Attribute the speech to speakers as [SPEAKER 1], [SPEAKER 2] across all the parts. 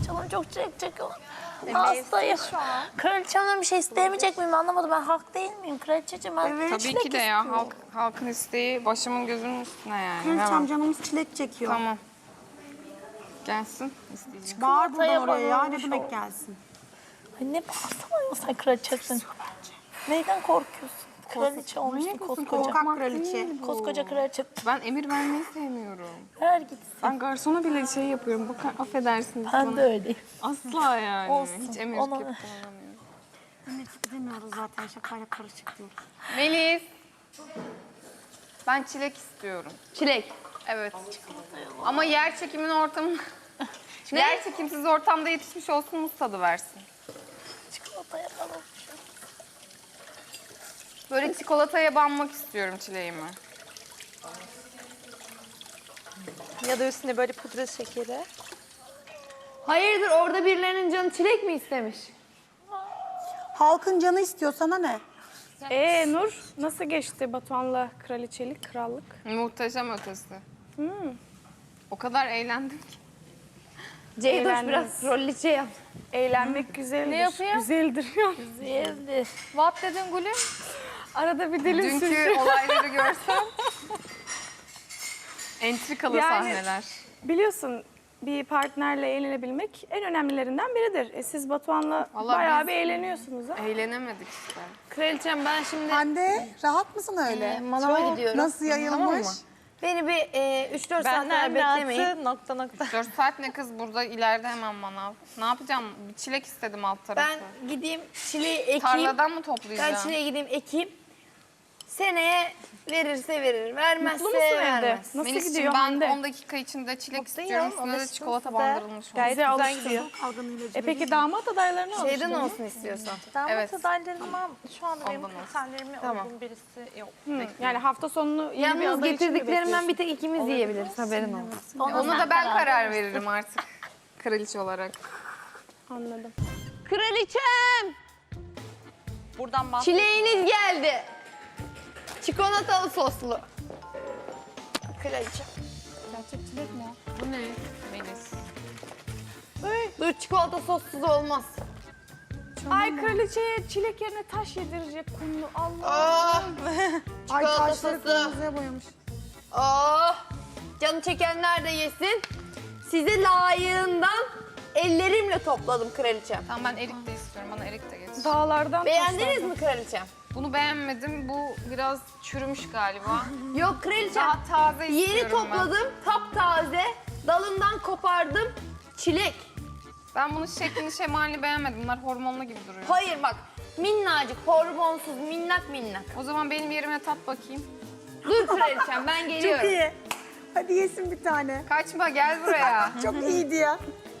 [SPEAKER 1] Canım çok çilek çekiyor. Hastayım. Kraliçemden bir şey isteyemeyecek miyim anlamadım. Ben hak değil miyim kraliçeciğim? Ben
[SPEAKER 2] Tabii
[SPEAKER 1] çilek
[SPEAKER 2] ki de ya.
[SPEAKER 1] istiyorum.
[SPEAKER 2] Halkın isteği başımın gözümün üstüne yani.
[SPEAKER 3] Kraliçem
[SPEAKER 2] Hemen.
[SPEAKER 3] canımız çilek çekiyor.
[SPEAKER 2] Tamam. Gelsin. İsteyeceğim.
[SPEAKER 3] Bağır buradan
[SPEAKER 1] Çikolataya
[SPEAKER 3] oraya ya. Ne
[SPEAKER 1] banılmış
[SPEAKER 3] demek
[SPEAKER 1] o.
[SPEAKER 3] gelsin?
[SPEAKER 1] Ay ne bağırsana sen kraliçesin. Neyden korkuyorsun? Kraliçe olmuşsun koskoca.
[SPEAKER 3] Korkak kraliçe.
[SPEAKER 1] Koskoca kraliçe.
[SPEAKER 2] Ben emir vermeyi sevmiyorum.
[SPEAKER 1] Ver gitsin.
[SPEAKER 2] Ben garsona bile şey yapıyorum. Bakın affedersiniz
[SPEAKER 1] Ben
[SPEAKER 2] bana.
[SPEAKER 1] de öyleyim.
[SPEAKER 2] Asla yani.
[SPEAKER 1] Olsun.
[SPEAKER 2] Hiç emir
[SPEAKER 1] Ona-
[SPEAKER 2] kullanamıyorum.
[SPEAKER 3] Nefret edemiyoruz zaten. Şakayla karışık diyoruz.
[SPEAKER 2] Melis. Ben çilek istiyorum.
[SPEAKER 4] Çilek.
[SPEAKER 2] Evet. Ama yer çekimin ortamı... Yer çekimsiz ortamda yetişmiş olsun, muz tadı versin.
[SPEAKER 1] Çikolataya banılmış.
[SPEAKER 2] Böyle çikolataya banmak istiyorum çileğimi.
[SPEAKER 5] Ya da üstüne böyle pudra şekeri.
[SPEAKER 4] Hayırdır orada birilerinin canı çilek mi istemiş?
[SPEAKER 3] Halkın canı istiyor sana ne?
[SPEAKER 6] Nur nasıl geçti Batuhan'la kraliçelik, krallık?
[SPEAKER 2] Muhteşem ötesi. O kadar eğlendim ki.
[SPEAKER 4] Ceydoş
[SPEAKER 6] Eğlendiniz.
[SPEAKER 4] biraz rollice yap.
[SPEAKER 6] Eğlenmek güzeldir.
[SPEAKER 4] Ne yapıyor?
[SPEAKER 6] Güzeldir.
[SPEAKER 1] Güzeldi.
[SPEAKER 4] What dedin Gülüm?
[SPEAKER 6] Arada bir dilim
[SPEAKER 2] Dünkü
[SPEAKER 6] sürçüyor.
[SPEAKER 2] olayları görsen. Entrikalı
[SPEAKER 6] Yani-
[SPEAKER 2] sahneler.
[SPEAKER 6] Biliyorsun bir partnerle eğlenebilmek en önemlilerinden biridir. Siz Batuhan'la
[SPEAKER 2] Vallahi
[SPEAKER 6] bayağı
[SPEAKER 2] biz-
[SPEAKER 6] bir eğleniyorsunuz ha.
[SPEAKER 2] Eğlenemedik işte.
[SPEAKER 4] Kraliçem ben şimdi
[SPEAKER 3] Hande rahat mısın öyle?
[SPEAKER 4] manava gidiyorum.
[SPEAKER 3] Nasıl yayılmış?
[SPEAKER 4] Beni bir 3-4 saat daha
[SPEAKER 5] Benden
[SPEAKER 4] beklemeyin.
[SPEAKER 5] rahatı nokta nokta.
[SPEAKER 2] 4 saat ne kız, burada ileride hemen manav. Ne yapacağım? Bir çilek istedim alt tarafı.
[SPEAKER 4] Ben gideyim çileği ekeyim.
[SPEAKER 2] Tarladan mı
[SPEAKER 4] Ben
[SPEAKER 2] toplayacağım?
[SPEAKER 4] çileğe gideyim ekeyim. Seneye verirse verir, vermezse
[SPEAKER 6] Mutlu musun evde?
[SPEAKER 4] vermez.
[SPEAKER 6] Nasıl
[SPEAKER 2] Melis'ciğim,
[SPEAKER 6] gidiyor
[SPEAKER 2] ben
[SPEAKER 6] Hande?
[SPEAKER 2] 10 dakika içinde çilek
[SPEAKER 5] Mutluyum,
[SPEAKER 2] istiyorum. Üstüne de
[SPEAKER 5] alıştım
[SPEAKER 2] çikolata
[SPEAKER 5] size.
[SPEAKER 2] bandırılmış.
[SPEAKER 5] Gayet
[SPEAKER 6] Bize
[SPEAKER 5] güzel
[SPEAKER 6] alıştı.
[SPEAKER 5] gidiyor.
[SPEAKER 6] Peki damat adaylarına alıştın
[SPEAKER 4] Şeyden
[SPEAKER 6] mı?
[SPEAKER 4] olsun istiyorsan.
[SPEAKER 5] Damat
[SPEAKER 2] Evet.
[SPEAKER 5] adaylarıma şu anda benim
[SPEAKER 2] Ondan olsun.
[SPEAKER 5] kriterlerime
[SPEAKER 4] Tamam.
[SPEAKER 5] uygun birisi yok.
[SPEAKER 6] Yani hafta sonunu yeni bir
[SPEAKER 4] Yalnız
[SPEAKER 6] aday için mi
[SPEAKER 4] getirdiklerimden
[SPEAKER 6] bekliyorsun?
[SPEAKER 4] bir tek ikimiz yiyebiliriz, haberin olsun.
[SPEAKER 2] Ona da ben karar veririm artık. Kraliçe olarak.
[SPEAKER 6] Anladım.
[SPEAKER 4] Kraliçem!
[SPEAKER 5] Buradan bak.
[SPEAKER 4] Çileğiniz geldi. Çikolatalı soslu. Kraliçem.
[SPEAKER 2] Bu ne Melis?
[SPEAKER 4] Dur çikolata sossuz olmaz.
[SPEAKER 6] Ay kraliçeye çilek yerine taş yedirecek kumlu. Allah.
[SPEAKER 3] Ay
[SPEAKER 4] Çikolata
[SPEAKER 3] taşları
[SPEAKER 4] sosu.
[SPEAKER 3] kırmızıya boyamış.
[SPEAKER 4] Oh! Canı çekenler de yesin. Size layığından ellerimle topladım kraliçem.
[SPEAKER 2] Tamam, ben erik de istiyorum. Bana erik de getir.
[SPEAKER 6] Dağlardan
[SPEAKER 4] Beğendiniz mi kraliçem?
[SPEAKER 2] Bunu beğenmedim. Bu biraz çürümüş galiba.
[SPEAKER 4] Yok kraliçem.
[SPEAKER 2] Daha taze
[SPEAKER 4] Yeni
[SPEAKER 2] istiyorum ben.
[SPEAKER 4] topladım, taptaze. Dalından kopardım. Çilek.
[SPEAKER 2] Ben bunun şeklini şemalini beğenmedim. Bunlar hormonlu gibi duruyor.
[SPEAKER 4] Hayır bak. Minnacık, hormonsuz, minnak minnak.
[SPEAKER 2] O zaman benim yerime tat bakayım.
[SPEAKER 4] Dur kraliçem ben geliyorum.
[SPEAKER 3] Çok iyi. Hadi yesin bir tane.
[SPEAKER 2] Kaçma, gel buraya.
[SPEAKER 3] Çok iyiydi ya.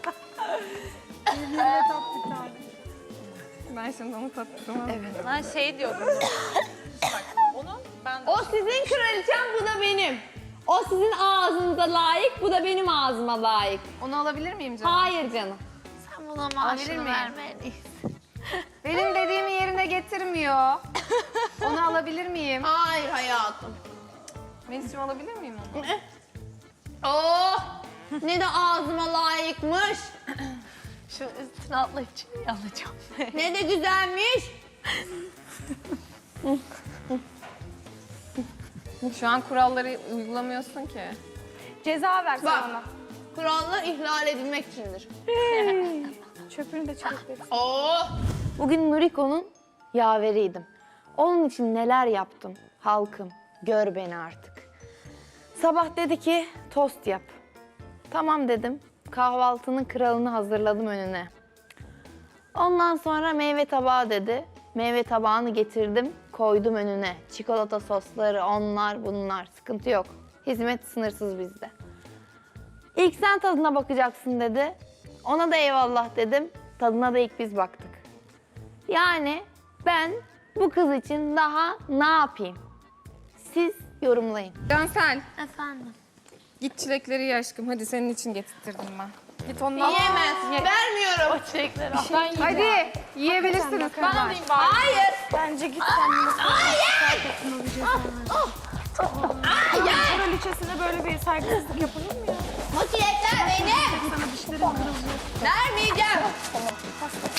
[SPEAKER 3] Yerine tat bir tane.
[SPEAKER 2] Ben şimdi onu tattım. Evet.
[SPEAKER 5] Ben şey diyordum. Bak onu ben
[SPEAKER 4] O sizin kraliçem, bu da benim. O sizin ağzınıza layık, bu da benim ağzıma layık.
[SPEAKER 2] Onu alabilir miyim canım?
[SPEAKER 4] Hayır canım.
[SPEAKER 1] Sen buna
[SPEAKER 2] Alabilir
[SPEAKER 1] maaşını
[SPEAKER 2] miyim?
[SPEAKER 1] vermelisin.
[SPEAKER 2] Benim dediğimi yerine getirmiyor. Onu alabilir miyim?
[SPEAKER 4] Hayır hayatım.
[SPEAKER 2] Melis'cim alabilir miyim onu?
[SPEAKER 4] Oh! Ne de ağzıma layıkmış.
[SPEAKER 1] Şu üstüne atlayıp çileği alacağım.
[SPEAKER 4] Ne de güzelmiş.
[SPEAKER 2] Şu an kuralları uygulamıyorsun ki.
[SPEAKER 6] Ceza versin
[SPEAKER 4] Bak.
[SPEAKER 6] ona.
[SPEAKER 4] Kurallar ihlal edilmek içindir.
[SPEAKER 6] Çöpünü de çilek verirsin.
[SPEAKER 4] Oh! Bugün Nuriko'nun yaveriydim. Onun için neler yaptım halkım, gör beni artık. Sabah dedi ki tost yap. Tamam dedim, kahvaltının kralını hazırladım önüne. Ondan sonra meyve tabağı dedi. Meyve tabağını getirdim, koydum önüne. Çikolata sosları, onlar bunlar, sıkıntı yok. Hizmet sınırsız bizde. İlk sen tadına bakacaksın dedi. Ona da eyvallah dedim. Tadına da ilk biz baktık. Yani ben bu kız için daha ne yapayım? Siz yorumlayın.
[SPEAKER 2] Cansel,
[SPEAKER 1] Efendim.
[SPEAKER 2] git çilekleri ye aşkım. Hadi senin için getirttirdim ben. Git ondan.
[SPEAKER 4] Yiyemez. Vermiyorum.
[SPEAKER 1] O çilekleri al.
[SPEAKER 2] Hadi yiyebilirsiniz
[SPEAKER 5] ben
[SPEAKER 2] kızlar.
[SPEAKER 5] alayım bari.
[SPEAKER 4] Hayır.
[SPEAKER 6] Bence git sen bunu kraliçesine böyle bir saygısızlık yapılır mı ya?
[SPEAKER 4] Bu çilekler benim.
[SPEAKER 6] Sana dişlerin kırılacak.
[SPEAKER 4] Vermiyorum.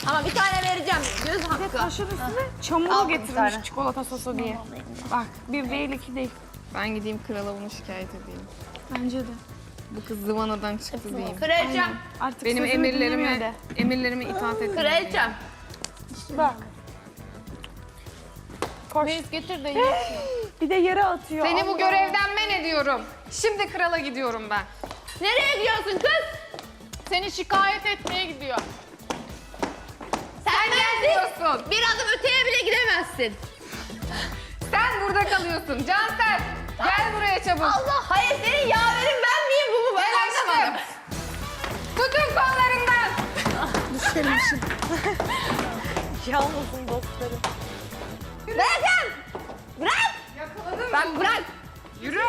[SPEAKER 1] Ama bir tane vereceğim. Göz hakkı.
[SPEAKER 6] Kaşın üstüne çamuru getirmiş çikolata sosu diye. Bak bir değil iki değil.
[SPEAKER 2] Ben gideyim krala bunu şikayet edeyim.
[SPEAKER 6] Bence de.
[SPEAKER 2] Bu kız zıvanadan çıktı diyeyim.
[SPEAKER 1] Kraliçem.
[SPEAKER 6] Artık
[SPEAKER 2] Benim
[SPEAKER 6] sözümü dinlemiyor de.
[SPEAKER 2] emirlerime itaat edin.
[SPEAKER 1] Kraliçem.
[SPEAKER 6] Bak. Koş.
[SPEAKER 5] Getir de ye.
[SPEAKER 6] Bir de yere atıyor.
[SPEAKER 2] Seni bu
[SPEAKER 6] Allah.
[SPEAKER 2] görevden men ediyorum. Şimdi krala gidiyorum ben.
[SPEAKER 1] Nereye gidiyorsun kız?
[SPEAKER 5] Seni şikayet etmeye gidiyor.
[SPEAKER 1] Sen
[SPEAKER 2] Gidiyorsun.
[SPEAKER 1] bir adım öteye bile gidemezsin.
[SPEAKER 2] Sen burada kalıyorsun. Cansel gel buraya çabuk.
[SPEAKER 1] Allah hayır senin yaverin ben miyim bu mu? Ben
[SPEAKER 2] Gel
[SPEAKER 1] anlamadım.
[SPEAKER 2] aşkım. Tutun kollarından.
[SPEAKER 3] Yalnızım dostlarım.
[SPEAKER 1] Bırakın. Bırak.
[SPEAKER 2] Yakaladım.
[SPEAKER 1] Bak bırak.
[SPEAKER 2] Yürü.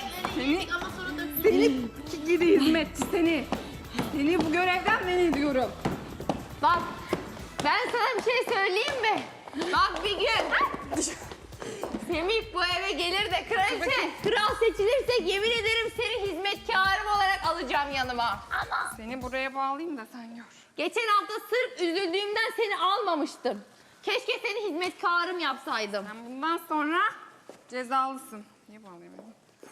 [SPEAKER 2] Seni gidi hizmetçi seni. Seni bu görevden men ediyorum.
[SPEAKER 1] Bak ben sana bir şey söyleyeyim mi? Bak bir gün Semih bu eve gelir de kraliçe, kral seçilirsek yemin ederim seni hizmetkarım olarak alacağım yanıma. Ama
[SPEAKER 2] Seni buraya bağlayayım da sen gör.
[SPEAKER 1] geçen hafta sırf üzüldüğümden seni almamıştım. Keşke seni hizmetkarım yapsaydım.
[SPEAKER 2] Sen bundan sonra cezalısın. Niye bağlayayım?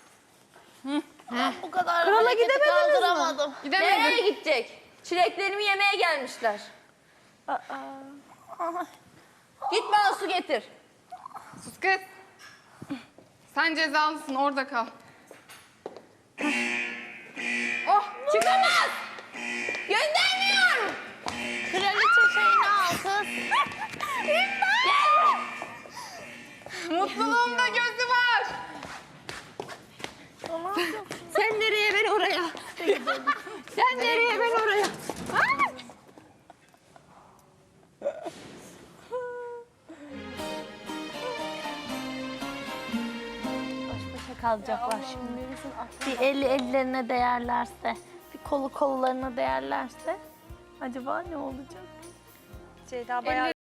[SPEAKER 1] Bu kadar
[SPEAKER 6] Krala
[SPEAKER 1] hareketi
[SPEAKER 6] gidemediniz mi?
[SPEAKER 1] kaldıramadım.
[SPEAKER 2] Gidemedim.
[SPEAKER 1] Nereye gidecek? Çileklerimi yemeye gelmişler. Git bana su getir.
[SPEAKER 2] Sus kız. Sen cezalısın orada kal. Oh
[SPEAKER 1] Çıkamaz. Göndermiyorum. Kraliçe şeyini al kız. Gel.
[SPEAKER 2] mutluluğumda gözü var.
[SPEAKER 1] Sen nereye ben oraya. Sen nereye ben oraya. Baş başa kalacaklar şimdi. Bir eli ellerine değerlerse, bir kolu kollarına değerlerse acaba ne olacak?
[SPEAKER 3] Ceyda bayağı